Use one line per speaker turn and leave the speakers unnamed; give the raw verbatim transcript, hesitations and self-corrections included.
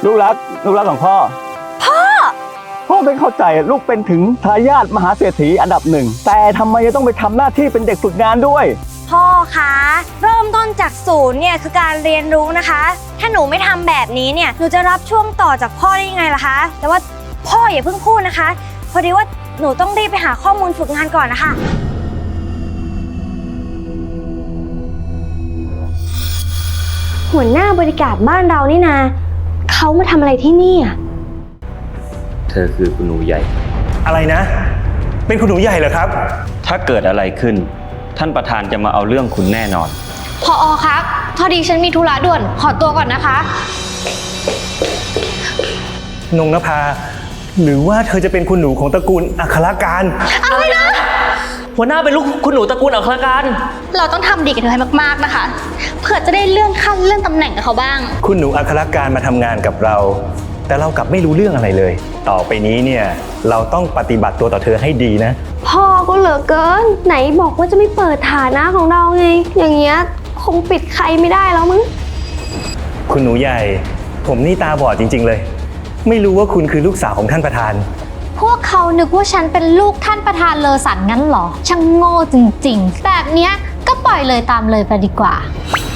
ลูกรักลูกรักของพ่อพ่อพ่อไม่เข้าใจลูกเป็นถึงทายาทมหาเศรษฐีอันดับหนึ่งแต่ทำไมจะต้องไปทำหน้าที่เป็นเด็กฝึกงานด้วย
พ่อคะเริ่มต้นจากศูนย์เนี่ยคือการเรียนรู้นะคะถ้าหนูไม่ทำแบบนี้เนี่ยหนูจะรับช่วงต่อจากพ่อได้ยังไงล่ะคะแต่ว่าพ่ออย่าเพิ่งพูดนะคะพอดีว่าหนูต้องรีบไปหาข้อมูลฝึกงานก่อนนะคะหัวหน้าบริการบ้านเรานี่นะเขามาทำอะไรที่นี่อ่ะ
เธอคือคุณหนูใหญ่
อะไรนะเป็นคุณหนูใหญ่เหรอครับ
ถ้าเกิดอะไรขึ้นท่านประธานจะมาเอาเรื่องคุณแน่นอน
ผอ.ครับพอดีฉันมีธุระด่วนขอตัวก่อนนะคะ
นงนภาหรือว่าเธอจะเป็นคุณหนูของตระกูลอัครการ
อะไรนะ
หัวหน้าเป็นลูกคุณหนูตระกูลอัครการ
เราต้องทำดีกับเธอให้มากๆนะคะเผื่อจะได้เลื่อนขั้นเลื่อนตำแหน่งกับเขาบ้าง
คุณหนูอัครการมาทำงานกับเราแต่เรากลับไม่รู้เรื่องอะไรเลยต่อไปนี้เนี่ยเราต้องปฏิบัติตัวต่อเธอให้ดีนะ
พ่อก็เหลือเกินไหนบอกว่าจะไม่เปิดฐานะของเราไงอย่างเงี้ยคงปิดใครไม่ได้แล้วมึง
คุณหนูใหญ่ผมนี่ตาบอดจริงๆเลยไม่รู้ว่าคุณคือลูกสาวของท่านประธาน
พวกเขานึกว่าฉันเป็นลูกท่านประธานเลอสันงั้นเหรอช่างโง่จริงๆแบบเนี้ยก็ปล่อยเลยตามเลยไปดีกว่า